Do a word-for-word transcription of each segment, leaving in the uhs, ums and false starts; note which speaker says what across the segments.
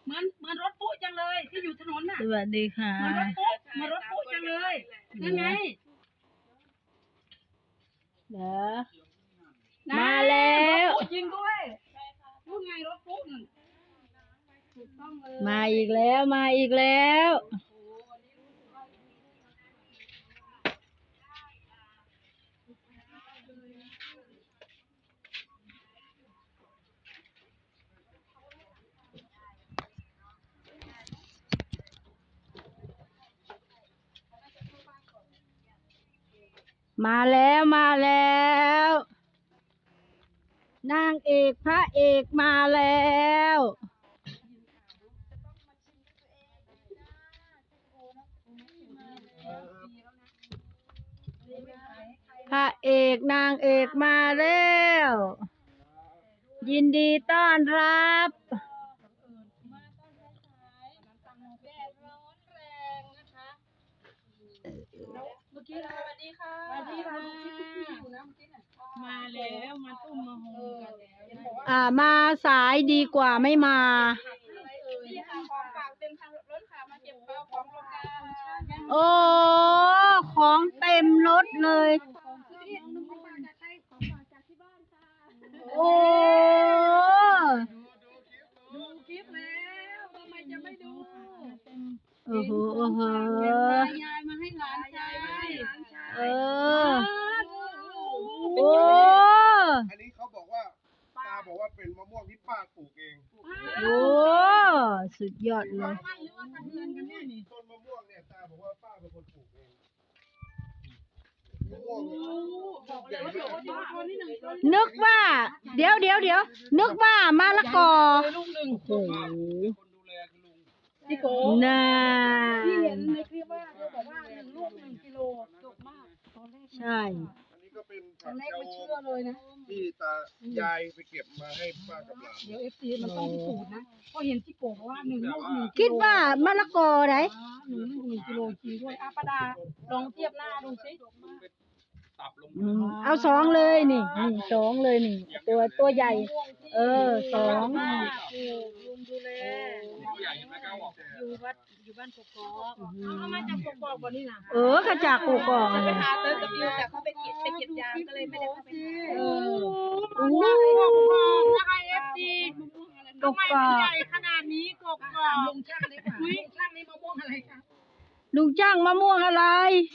Speaker 1: มันมันรถปุ๊จังเลยที่อยู่ถนนน่ะ
Speaker 2: สวัสดีค่ะ
Speaker 1: มันรถปุ๊มันรถปุ๊จังเลยนั่นไง
Speaker 2: เด้อมาแล้ว
Speaker 1: รถปุ๊จริงด้วยพูดไงรถปุ๊นั่นถูกต้องเลย
Speaker 2: มาอีกแล้วมาอีกแล้วมาแล้วมาแล้วนางเอกพระเอกมาแล้วพระเอกนางเอกมาแล้วยินดีต้อนรับ
Speaker 1: เมื่อกี้สวัสดีค่ะสวัสดีค่ะอยู่นะเมื่อกี้น่ะมาแล้วมาตุ้มมาโฮกันแล้ว
Speaker 2: อ่ามาสายดีกว่าไม่มา
Speaker 1: นี่ค่ะของฝากเต็มทางรถค่ะมาเก็บเป้าของโรงงาน
Speaker 2: โอ้ของเต็มรถเลยโอ้
Speaker 1: ดูคลิปแล้วทำไมจะไม่ดู
Speaker 2: โอ้โหโอ้โห
Speaker 1: ยายมาให้หลานชาย
Speaker 2: เออโอ้
Speaker 3: อันนี้เขาบอกว่าตาบอกว่าเป็นมะม่วงที่ป้าปลูกเอง
Speaker 2: โอ้สุดยอดเลย
Speaker 3: ต้นมะม่วงเนี่ยตาบอกว่าป้าเป็นคนปลูกเองมะม่วงใหญ่มาก
Speaker 2: นึกว่า เดี๋ยวเดี๋ยวเดี๋ยวนึกว่ามะละกอโอ้โห
Speaker 3: คนดูแลคือลุง
Speaker 1: พี่โก
Speaker 2: น่า
Speaker 1: ที่เห็นในคลิปว่าเขาบอกว่าหนึ่งลูกหนึ่งกิโลดกมากตอนแรก
Speaker 2: ใช่
Speaker 3: อันนี้ก็เป็น
Speaker 1: ต
Speaker 3: ผั
Speaker 1: อน
Speaker 3: ก
Speaker 1: แรก
Speaker 3: เจ้า
Speaker 1: ไม่เชื่อเลยนะ
Speaker 3: ที่ตายายไปเก็บมาให้ป้ากับหลาน
Speaker 1: เดี๋ยวเอฟซีมันต้องพิสูจน์นะเพราะเห็นพี่โกบอกว่าหนึ่งลูกหนึ่ง
Speaker 2: คิดว่ามะละกอไหน
Speaker 1: หนึ่งลูกหนึ่งกิโลจริงด้วยอาปดาลองเทียบหน้าดูสิ
Speaker 3: ตับลง
Speaker 2: อืมเอาสองเลยนี่นี่สองเลยนี่ ตัวตัวใหญ่ เออสอง
Speaker 1: ลุงดูแล
Speaker 3: ใหญ่ไม่กล้าบอก
Speaker 1: อยู่วัดอยู่บ้านกกอกเอามาจากกกอกวันนี้นะ
Speaker 2: เออกระจากกูกองเลย
Speaker 1: หาเติร์กับยูแต่เขาไปเก็บไปเก็บยางก็เลยไม่ได้เข้าไปหาเออ
Speaker 2: อู้
Speaker 1: นะคะเอฟซี
Speaker 2: กกอก
Speaker 1: ใหญ่ขนาดนี้กกอกลุงช่างเลยค่ะลุงช่างนี่มะม่วงอะไรคะ
Speaker 2: ลุงจ้างมะม่วงอะไร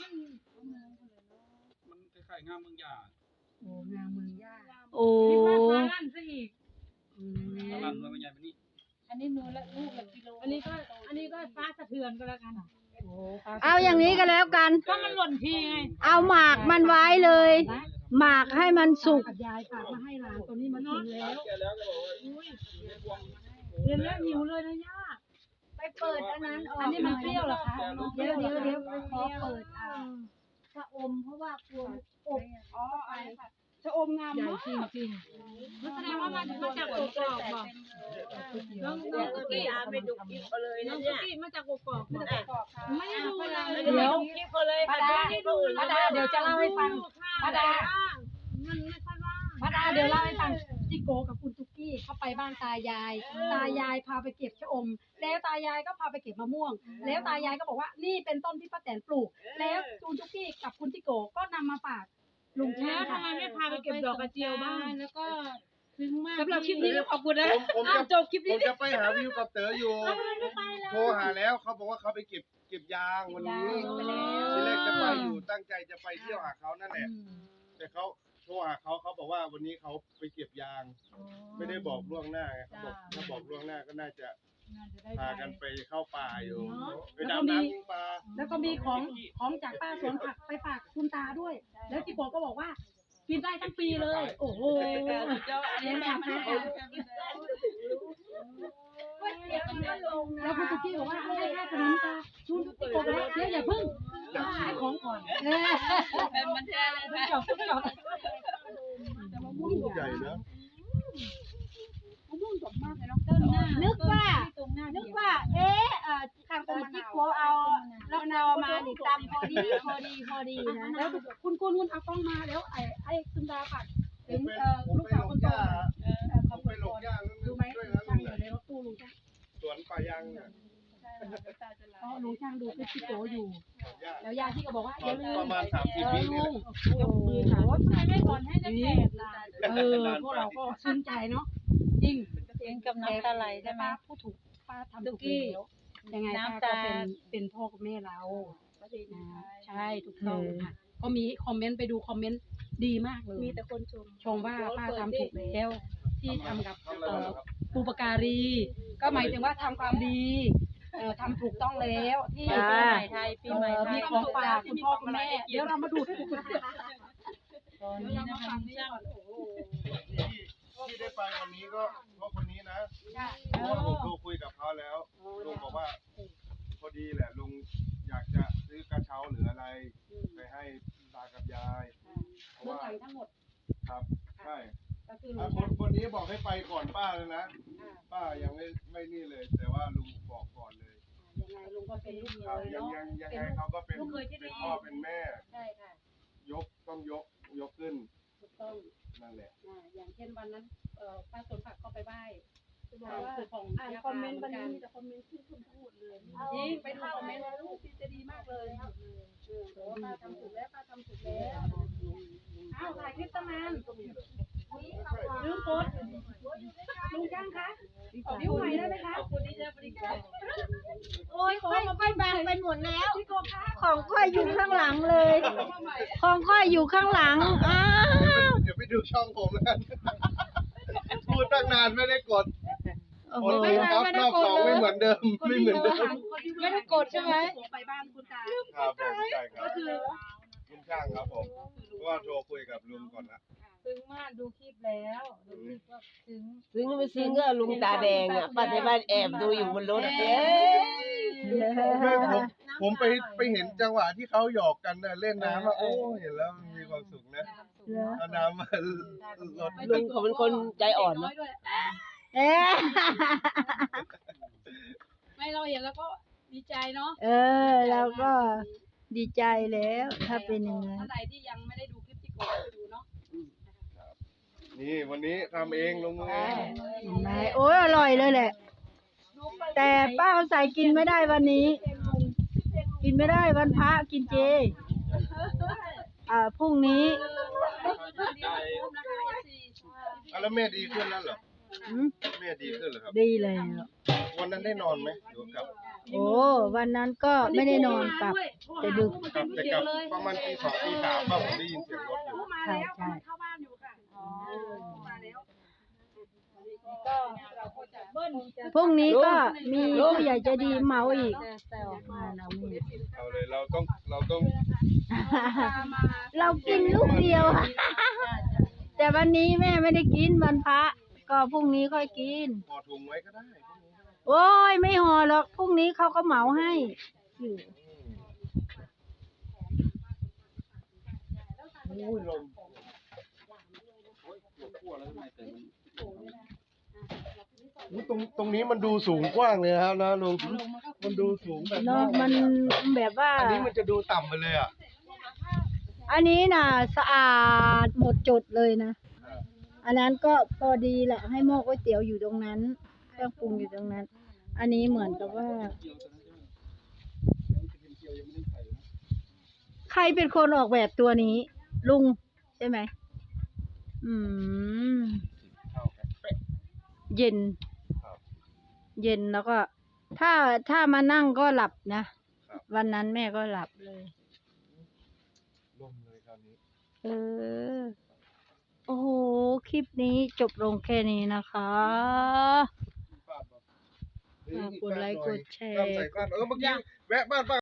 Speaker 3: มันคล้ายๆงามเมืองหยา
Speaker 1: โอ้งามเมืองย่า
Speaker 2: โอ้
Speaker 1: คิดว่าฟ้าลั่นซะอีก
Speaker 3: ตลาดเมืองใหญ่ไปนี่
Speaker 1: อันนี้นูละลูกละกิโลอันนี้ก็อันนี้ก็ฟ้าสะเทือนก็แล้วกันโอ้ฟ้า
Speaker 2: เอาอย่างนี้ก็แล้วกัน
Speaker 1: ก็มันหล่นทีไง
Speaker 2: เอาหมากมันไว้เลย หมากให้มันสุก
Speaker 1: กับยายฝากมาให้หลานตัวนี้มันกินแล้ว
Speaker 3: แกแล้วก็บอกว่า
Speaker 1: เรียนแล้วหิวเลยนะย่า
Speaker 4: ไปเปิดอันนั้นออก
Speaker 1: อันนี้มันเปรี้ยวเหรอคะ
Speaker 4: เดี๋ยวเดี๋ยวเดี๋ยวขอเปิดอ่าชะอมเพราะว่ากลัวอบ
Speaker 1: อ๋อชะอมงามมากจริงจริงแสดงว่ามันมาจากกกอกบอกน้องน้องกุ๊กกี้อาไปดูคลิปเอาเลยนะเนี่ยกุ๊กกี้มาจากกกอกมาจากกกอกไม่ดูเลยเดี๋ยวคลิปเอาเลยป้าดาป้าดาเดี๋ยวจะเล่าให้ฟังป้าดามันไม่ค่อยว่างป้าดาเดี๋ยวเล่าให้ฟังจิโกกับคุณตุ๊กกี้เขาไปบ้านตายาย ตายายพาไปเก็บชะอม แล้วตายายก็พาไปเก็บมะม่วง แล้วตายายก็บอกว่านี่เป็นต้นที่ป้าแตนปลูก แล้วคุณตุ๊กกี้กับคุณจิโกก็นำมาฝากลุงช่างทำไมไม่พาไปเก็บดอกกระเจียวบ้างแล้วก็ซึ้งมากสำหรับคลิปนี้ขอบคุณนะ
Speaker 3: ผมจะจบคลิปนี้ผมจะไปหาวิวกับเต๋ออยู่ โทรหาแล้วเขาบอกว่าเขาไปเก็บเก็บยางวันนี้ทีแรกจะไปอยู่ตั้งใจจะไปเที่ยวหาเขานั่นแหละ แต่เขาโทรหาเขาเขาบอกว่าวันนี้เขาไปเก็บยาง ไม่ได้บอกล่วงหน้าไงเขาบอกถ้าบอกล่วงหน้าก็น่าจะพากันไปเข้าป่าอยู่ไปดำน้ำยิงปลา
Speaker 1: แล้วก็มีของของจากป้าสวนผักไปฝากคุณตาด้วย แล้วจิโกก็บอกว่ากินได้ทั้งปีเลย โอ้โหอันนี้แม่มาแล้วแล้วคุณตุ๊กกี้บอกว่าให้ค่าขนมตาชุนจิโกบอกว่าเดี๋ยวอย่าพึ่งขายของก่อนมันแท้เลยจบจบ
Speaker 3: ใหญ่นะ
Speaker 4: นึกว่านึกว่าเอ๊ะเอ่อทางจิโกเอาแล้วนาวมานี่ตำพอดีพอดีพอดีนะ
Speaker 1: แล้วคุณคุณคุณเอากล้องมาแล้วไอ้ไอ้คุณตาฝาก
Speaker 3: ผ
Speaker 1: ถึ
Speaker 3: ม
Speaker 1: ง
Speaker 3: ไป
Speaker 1: เอ่อ
Speaker 3: ผม
Speaker 1: ลูก
Speaker 3: ไป
Speaker 1: สาว
Speaker 3: หล
Speaker 1: ค
Speaker 3: ง
Speaker 1: นโต
Speaker 3: ย่า
Speaker 1: เออ
Speaker 3: ผมไปหลงย่า
Speaker 1: ดูไหม
Speaker 3: ด้วยนะ
Speaker 1: ช่าง
Speaker 3: ลุง
Speaker 1: อยู่ในรถตู้ลุงจ้ะ
Speaker 3: ส่วนอนป่ายางเนี่ย
Speaker 4: เพราะลุงช่างดูคลิปพี่โกอยู่
Speaker 3: ยาก
Speaker 4: แล้วยาที่ก็บอกว่า
Speaker 3: ต
Speaker 4: อย่า
Speaker 3: อน
Speaker 4: ลืม
Speaker 3: ประมาณสามสิบวินี่แหละ
Speaker 4: ยกมือถามว่าทำไมไม่ผ่อนให้ตั้งแต่เออพวกเราก็ซึ้งใจเนาะจริง
Speaker 1: เสียงกับน้ำตาไหลใช่ไหม
Speaker 4: ป้าพูดถูกป้าทำถูกแล้วยังไงป้า
Speaker 1: น้ำ
Speaker 4: ก็
Speaker 1: ตา
Speaker 4: เป็นเป็นพ่อกับแม่เราอ่าใช่ถูกต้องค่ะก็มีคอมเมนต์ไปดูคอมเมนต์ดีมากเลย
Speaker 1: มีแต่คนชม
Speaker 4: ชมว่าป้าทำถูกแล้วที่ทำกับ
Speaker 3: ทำอะไร
Speaker 4: เอ่อ
Speaker 3: ครับ
Speaker 4: ปูปการี ก็หมายถึงว่าทำความดีเอ่อทำถูกต้องแล้วที่
Speaker 2: จ้า
Speaker 1: ปีใหม่ไทยปีใหม่ไท
Speaker 4: มี
Speaker 1: ย
Speaker 4: ของฝากคุณพ่อคุณแม่ เดี๋ยวเรามาดูกัน
Speaker 1: ตอนนี้นะคะช่าง
Speaker 3: ที่ได้ไปวันนี้ก็เพราะคนนี้นะเพราะว่าผมโทรคุยกับเขาแล้วลุงบอกว่าพอดีแหละลุงอยากจะซื้อกระเช้าหรืออะไรไปให้ตากับยายเพราะ
Speaker 4: เบื้อง
Speaker 3: ว่า
Speaker 4: หลังทั้งหมด
Speaker 3: ครับใช่
Speaker 4: ก็คือ
Speaker 3: อ่ะคนคนนี้บอกให้ไปก่อนป้าเลยนะป้ายังไม่ไม่นี่เลย แต่ว่าลุงบอกก่อนเลย
Speaker 4: ยังไงลุงก็เป็นลูกเค
Speaker 3: ครับ
Speaker 4: ย
Speaker 3: ยัง
Speaker 4: เนาะ
Speaker 3: ยังยังไงเขาก็เป็น
Speaker 4: ลูกเคยที่ดี
Speaker 3: เป็นพ่อเป็นแม่
Speaker 4: ใช่ค่ะ
Speaker 3: ยกต้องยกยกขึ้น
Speaker 4: ถูกต้อง
Speaker 3: นั่นแหละ
Speaker 4: อ่าอย่างเช่นวันนั้นเอ่อป้าสวนผักก็ไปไหว้
Speaker 5: บอกว่า
Speaker 4: คือของ
Speaker 5: อ่าน
Speaker 4: ยา
Speaker 5: คอมเมนต์
Speaker 4: ป
Speaker 5: วั
Speaker 4: ลาน ห
Speaker 5: นี้
Speaker 4: กั
Speaker 5: มีแต่คอมเมนต์ชื่นชมทั้งหมดเลย
Speaker 4: จริงไปดูคอมเมนต์แล้วลูกพี่จะดีมากเลยเออบอกว่าป้าทำถูกแล้วป้าทำถูกแล้วอ้าวถ่ายคลิปตั้งนานลืมกดลุงจ้างคะขอนิ้วใหม่ได้ไหมคะคนนี้จะบริการ
Speaker 2: โอ้ยค่อยค่อยบางไปหมดแล้ว
Speaker 4: พี่โกคะ
Speaker 2: ของค่อยอยู่ข้างหลังเลย ของค่อยอยู่ข้างหลัง อ้าว
Speaker 3: เดี๋ยวไปดูช่องผมแล้วกัน พูดตั้งนานไม่ได้กด
Speaker 2: โอ้
Speaker 3: ก
Speaker 2: โห
Speaker 3: ดไม่ครับรอบสองไม่เหมือนเดิม ไม่เหมือนเดิม
Speaker 4: ไม่ได้กดใช่ไหมไปบ้านคุณตา
Speaker 3: ครับผมใช่ครับ
Speaker 4: ก็คือ
Speaker 3: ลุงช่างครับผมเพราะว่าโทรคุยกับลุงก่อนละ
Speaker 1: ซึ้งมากดูคลิปแล้วดูคลิปว่าซึ้ง
Speaker 6: ซึ้งไม่ซึ้งก็ลุงตาแดงอ่ะป้าที่บ้านแอบดูอยู่บนรถเอ๊ะ
Speaker 3: ไม่ผมผมไปไปเห็นจังหวะที่เขาหยอกกันน่ะเล่นน้ำอ่ะโอ้เห็นแล้วมีความสุขนะเอาน้ำมาลด
Speaker 6: ลุงเขาเป็นคนใจอ่อนเนอะ
Speaker 2: เอ๊ะ
Speaker 4: ไม่เราเห็นแล้วก็ดีใจเนาะ
Speaker 2: เออเราก็ดีใจแล้วถ้าเป็นอย่างนั้น
Speaker 4: ท่านใดที่ยังไม่ได้ดูคลิปที่โกไปดูเนาะ
Speaker 3: นี่วันนี้ทำเองลงมือเอง
Speaker 2: เห็นไหมโอ้ยอร่อยเลยแหละ แต่ป้าใส่กินไม่ได้วันนี้ กินไม่ได้วันพระกินเจ อ่าพรุ่งนี้
Speaker 3: อ่ะแล้วแม่ดีขึ้นแล้วเหรอ
Speaker 2: อืม
Speaker 3: แม่ดีขึ้นเหรอครับ
Speaker 2: ดีแล้ว
Speaker 3: วันนั้นได้นอนไหมหรือกับ
Speaker 2: โอ้วันนั้นก็ไม่ได้นอนกลับ แต่ดึก
Speaker 3: กลับแต่กลับประมาณตีสองตีสามป่ะผมได้ยินเสียงรถอยู่
Speaker 4: มา
Speaker 2: ใช่
Speaker 4: แล้ว
Speaker 2: ใช่
Speaker 4: เข้าบ้านอยู่ค่ะอ๋อมาแล้วก็เราก็จะเบิ้ล
Speaker 2: พรุ่งนี้ก็มีผู้ใหญ่ใจดีเหมาอีกมาเรามี
Speaker 3: เอาเลยเราต้องเราต้อง
Speaker 2: เรากินลูกเดียว แต่วันนี้แม่ไม่ได้กินวันพระ ก็พรุ่งนี้ค่อยกิน
Speaker 3: ห่อถุงไว้ก็ได้
Speaker 2: โอ้ยไม่ห่อหรอกพรุ่งนี้เขาก็เหมาให้อยู่
Speaker 3: โอ้ยลมอุ๊ยตรงตรงนี้มันดูสูงกว้างเลยนะครับนะลุงมันดูสูงแบบ
Speaker 2: เนาะมันแบบว่า
Speaker 3: อันนี้มันจะดูต่ำไปเลยอ่ะ
Speaker 2: อันนี้น่ะสะอาดหมดจดเลยนะ อันนั้นก็พอดีแหละให้หม้อก๋วยเตี๋ยวอยู่ตรงนั้นเครื่องปรุงอยู่ตรงนั้น อันนี้เหมือนกับว่า ใครเป็นคนออกแบบตัวนี้ ลุงใช่ไหมอืม เย็น เย็นแล้วก็ ถ้าถ้ามานั่งก็หลับนะ วันนั้นแม่ก็หลับเลย
Speaker 3: ลมเลยคราวนี้
Speaker 2: เออ โอ้โห คลิปนี้จบลงแค่นี้นะคะ ฝากกดไลค์กดแชร์
Speaker 3: ใส่ก้านเออเมื่อกี้แวะบ้านป้า